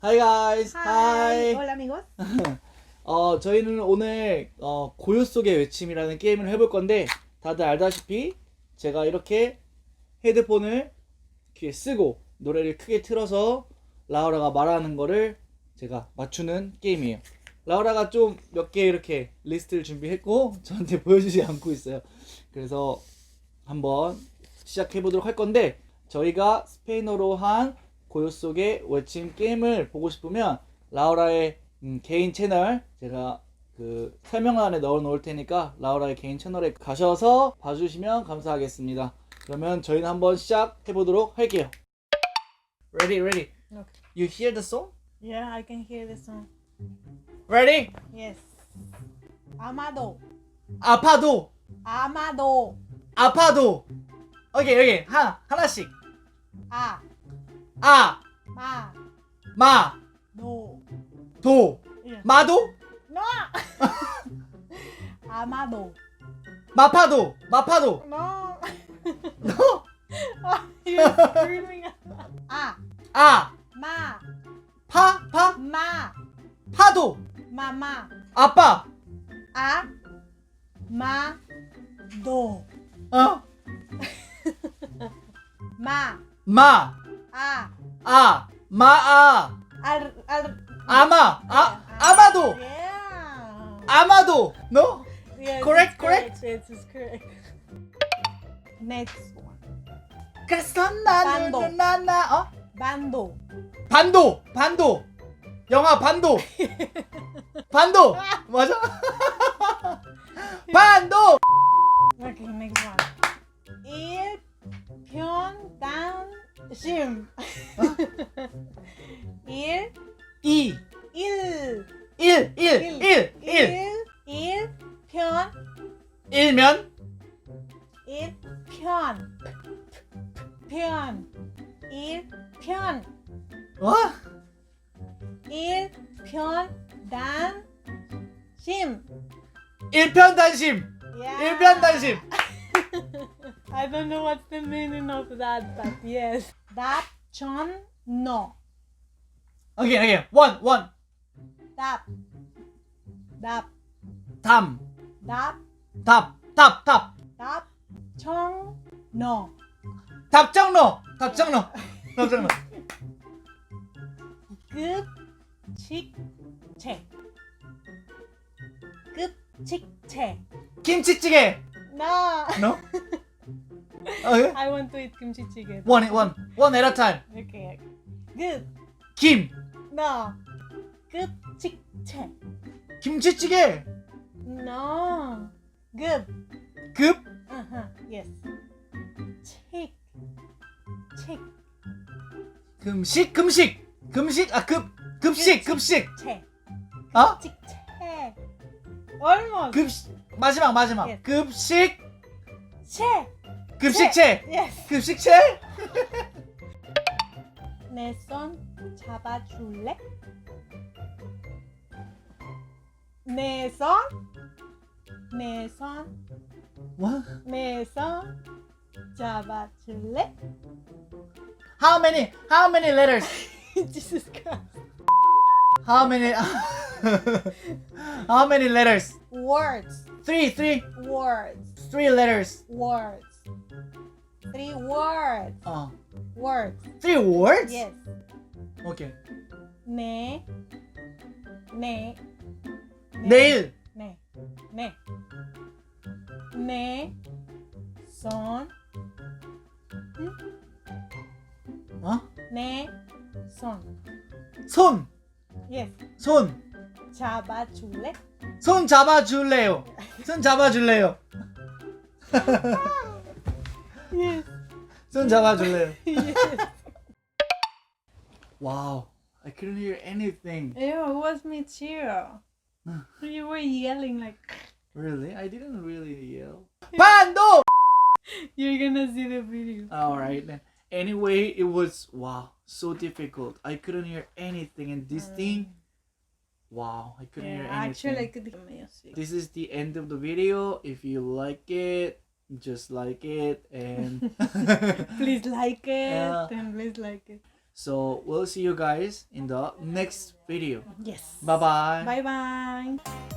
Hi guys. Hi. Hola amigos. 저희는 오늘 고요 속의 외침이라는 게임을 해볼 건데 다들 알다시피 제가 이렇게 헤드폰을 귀에 쓰고 노래를 크게 틀어서 라우라가 말하는 거를 제가 맞추는 게임이에요. 라우라가 좀 몇 개 이렇게 리스트를 준비했고 저한테 보여주지 않고 있어요. 그래서 한번 시작해 보도록 할 건데 저희가 스페인어로 한 고요 속의 외침 게임을 보고 싶으면 라우라의 개인 채널 제가 그 설명란에 넣어 놓을 테니까 라우라의 개인 채널에 가셔서 봐주시면 감사하겠습니다. 그러면 저희는 한번 시작해 보도록 할게요. Ready, ready. Okay. You hear the song? Yeah, I can hear the song. Ready? Yes. Amado. 아파도, Amado. 아파도. 오케이, 오케이. 하나씩. A. 아, Ma. 마, Do. 도, Yeah. 마도, No. Amado. 마파도, 마파도. No. 너, You're screaming. A. 아, Ma. 파, Ma. 파도. Mama. 아빠. A. Ma. Do. 어? Ma. 마, A. 아, 마아, 아마, 아마도, Yeah. 아마도. No? Yes, Correct, it's correct. Yes, it's correct. Next one. 그래서 반도. 나나 Bando. 반도. 영화 반도. 반도. 맞아? 반도. Okay, next one. Il Pyeon Dan Shim. Il 이, Il 일 Il Pyeon 일면 Il Pyeon Pyeon Il Pyeon 어? Il Pyeon Dan Shim. 일편단심. Yeah. 일편단심. I don't know what's the meaning of that, but yes. Dap Chon No. 오케이. 원. Dap. Dap. 담. Dap. 답. Dap Chong No. 답정너. Good chick che. Good chick che. 김치찌개. No. No? 오케이. I want to eat kimchi chicken. One at a time. Okay. Good. 김. No. Good chick che. 김치찌개. No. Good. 급. Yes. Chick. Chick. 금식. 급식. 채. 어? 채. Almost. 급식. 마지막. Yes. 급식. 채. 급식체. Yes. 급식체? 내 손 잡아줄래? 내 손. What? 내 손 잡아줄래? How many letters? Jesus Christ. How many letters? Words. Three Words. letters. Words. 3 words. Words. 3 words? Yes. Okay. 내. 내일. 내 손. 어? 내 손. 손. Yes. 손. 잡아줄래? 손 잡아줄래요. Yes. 손 잡아줄래요. Yes. Wow. I couldn't hear anything. Ew, it was me too. You were yelling like. Really? I didn't really yell. 반도! You're gonna see the video. Alright then. Anyway, it was so difficult. I couldn't hear anything and this thing I couldn't hear anything. Actually, I could hear music. This is the end of the video. If you like it, just like it and Please like it. Yeah. And please like it. So we'll see you guys in the next video. Yes. Bye bye. Bye bye.